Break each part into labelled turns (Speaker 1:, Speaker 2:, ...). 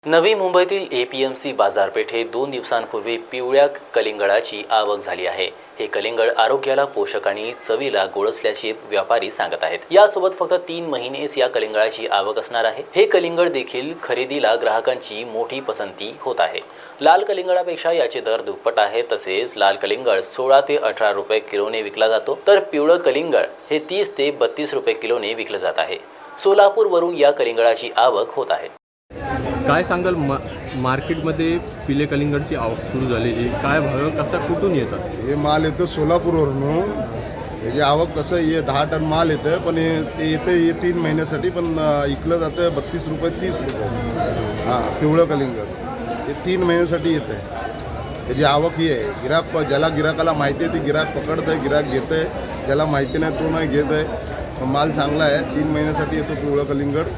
Speaker 1: नवी मुंबईतील एपीएमसी बाजारपेठेत 2 दिवसांपूर्वी पिवळ्या कलिंगडाची आवक झाली आहे। हे कलिंगड आरोग्याला पोषक आणि चवीला गोड असल्याचे व्यापारी सांगत आहेत। यासोबत फक्त 3 महिनेच या कलिंगडाची आवक असणार आहे। हे कलिंगड देखील खरेदीला ग्राहकांची मोठी पसंती होत आहे। लाल कलिंगडापेक्षा याचे दर दुप्पट आहे। तसेच लाल कलिंगड 16 ते 18 रुपये किलोने विकला जातो, तर पिवळं कलिंगड हे 30 ते 32 रुपये किलोने विकलं जात आहे। सोलापूरवरून या कलिंगडाची आवक होत आहे।
Speaker 2: काय सांगाल मार्केटमध्ये पिले कलिंगडची आवक सुरू झालेली, काय भाव कसा कुठून येतात?
Speaker 3: हे माल येतं सोलापूरवरून। हे जे आवक कसं हे 10 टन माल येतं, पण ते येतं हे 3 महिन्यासाठी, पण इकलं जातं 32 रुपये 30 रुपये। हां, पिवळं कलिंगड हे 3 महिन्यासाठी येतं आहे। त्याची आवक ही आहे। ज्याला गिराकाला माहिती आहे ते गिराक पकडतं आहे, गिराक घेतं आहे, ज्याला माहिती नाही तो नाही घेत आहे। माल चांगला आहे, 3 महिन्यासाठी येतो पिवळं कलिंगड।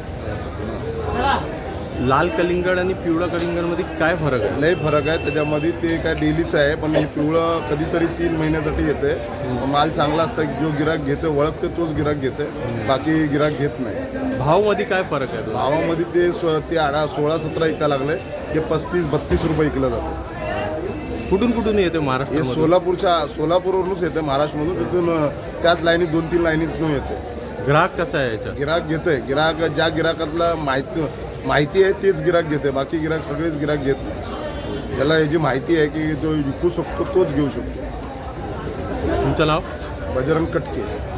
Speaker 2: लाल कलिंगड आणि पिवळा कलिंगडमध्ये काय फरक आहे?
Speaker 3: लई फरक आहे त्याच्यामध्ये। ते काय डेलीचं आहे, पण हे पिवळं कधीतरी 3 महिन्यासाठी येते। माल चांगला असतं, जो गिराक घेते ओळखते तोच गिराक घेते, बाकी गिराक घेत नाही।
Speaker 2: भावामध्ये काय फरक आहे?
Speaker 3: भावामध्ये ते 16-17 इका लागले, हे 35-32 रुपये इकलं जातं।
Speaker 2: कुठून कुठून येते महाराष्ट्र?
Speaker 3: हे सोलापूरवरूनच येते, महाराष्ट्रामधून। तिथून त्याच लाईनीत 2-3 लाईनीतून येते।
Speaker 2: ग्राहक कसा आहे याचा?
Speaker 3: गिराक घेते, ज्या गिराकातला माहिती आहे तेच गिराक घेते, बाकी गिराक सगळेच गिराक घेत नाही। ज्याला याची माहिती आहे की जो विकू शकतो तोच घेऊ शकतो।
Speaker 2: तुमचं नाव?
Speaker 3: बजरंग कटके।